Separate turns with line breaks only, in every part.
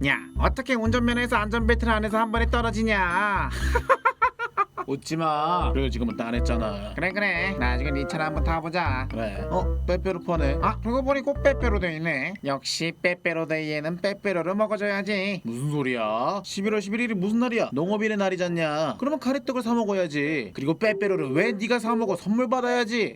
야, 어떻게 운전면허에서 안전벨트를 안 해서 한 번에 떨어지냐?
웃지마. 그래 지금은 따냈잖아.
그래 나중에 네 차를 한번 타보자.
그래. 빼빼로 퍼네.
아, 그러고 보니 꼭 빼빼로 돼 있네. 역시 빼빼로 데이에는 빼빼로를 먹어줘야지.
무슨 소리야? 11월 11일이 무슨 날이야? 농업인의 날이잖냐. 그러면 가래떡을 사 먹어야지. 그리고 빼빼로를 왜 네가 사 먹어? 선물 받아야지.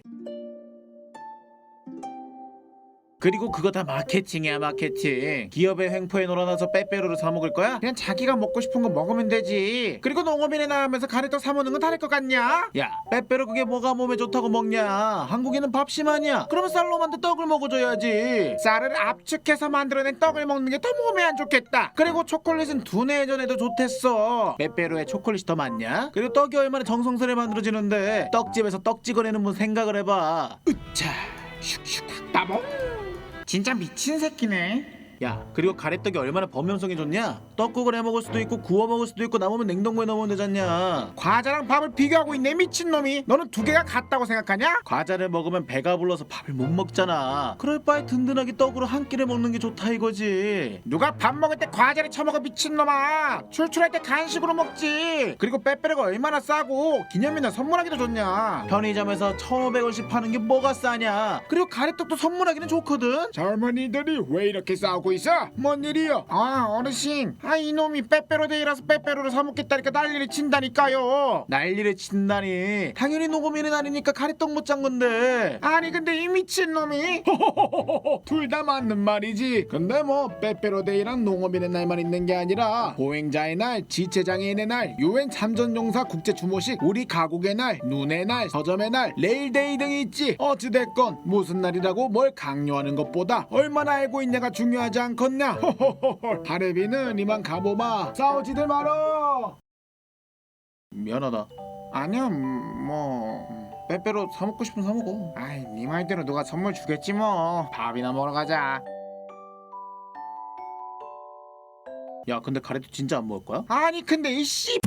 그리고 그거 다 마케팅이야, 마케팅. 기업의 횡포에 놀아나서 빼빼로를 사 먹을 거야?
그냥 자기가 먹고 싶은 거 먹으면 되지. 그리고 농업인에 나가면서 가래떡 사 먹는 건 다를 것 같냐?
야, 빼빼로 그게 뭐가 몸에 좋다고 먹냐? 한국인은 밥심 아니야. 그러면 쌀로 만든 떡을 먹어줘야지.
쌀을 압축해서 만들어낸 떡을 먹는 게 더 몸에 안 좋겠다. 그리고 초콜릿은 두뇌 회전에도 좋댔어.
빼빼로에 초콜릿이 더 많냐? 그리고 떡이 얼마나 정성스레 만들어지는데 떡집에서 떡 찍어내는 분 생각을 해봐. 으차 슉슉
따봉. 진짜 미친 새끼네.
야, 그리고 가래떡이 얼마나 범용성이 좋냐? 떡국을 해 먹을 수도 있고 구워 먹을 수도 있고 남으면 냉동고에 넣으면 되잖냐.
과자랑 밥을 비교하고 있네 미친놈이. 너는 두 개가 같다고 생각하냐?
과자를 먹으면 배가 불러서 밥을 못 먹잖아. 그럴 바에 든든하게 떡으로 한 끼를 먹는 게 좋다 이거지.
누가 밥 먹을 때 과자를 처먹어 미친놈아. 출출할 때 간식으로 먹지. 그리고 빼빼로가 얼마나 싸고 기념일날 선물하기도 좋냐.
편의점에서 1,500원씩 파는 게 뭐가 싸냐. 그리고 가래떡도 선물하기는 좋거든.
젊은이들이 왜 이렇게 싸우고 있어? 뭔 일이요? 아, 어르신, 아 이놈이 빼빼로 데이라서 빼빼로를 사 먹겠다니까 난리를 친다니까요.
난리를 친다니. 당연히 녹음인의 날이니까 가래떡 못 짠 건데.
아니 근데 이 미친놈이 둘 다 맞는 말이지. 근데 뭐 빼빼로 데이랑 농업인의 날만 있는 게 아니라 보행자의 날, 지체장애인의 날, 유엔 참전용사 국제주모식, 우리 가곡의 날, 눈의 날, 서점의 날, 레일데이 등이 있지. 어찌됐건 무슨 날이라고 뭘 강요하는 것보다 얼마나 알고 있냐가 중요하지 않겠냐. 하레비는 이만 가보마. 싸우지들 말어.
미안하다.
아니야 뭐
빼빼로 사 먹고 싶으면 사 먹어.
아이 네 말대로 누가 선물 주겠지 뭐. 밥이나 먹으러 가자.
야, 근데 가래떡 진짜 안 먹을 거야?
아니 근데 이씨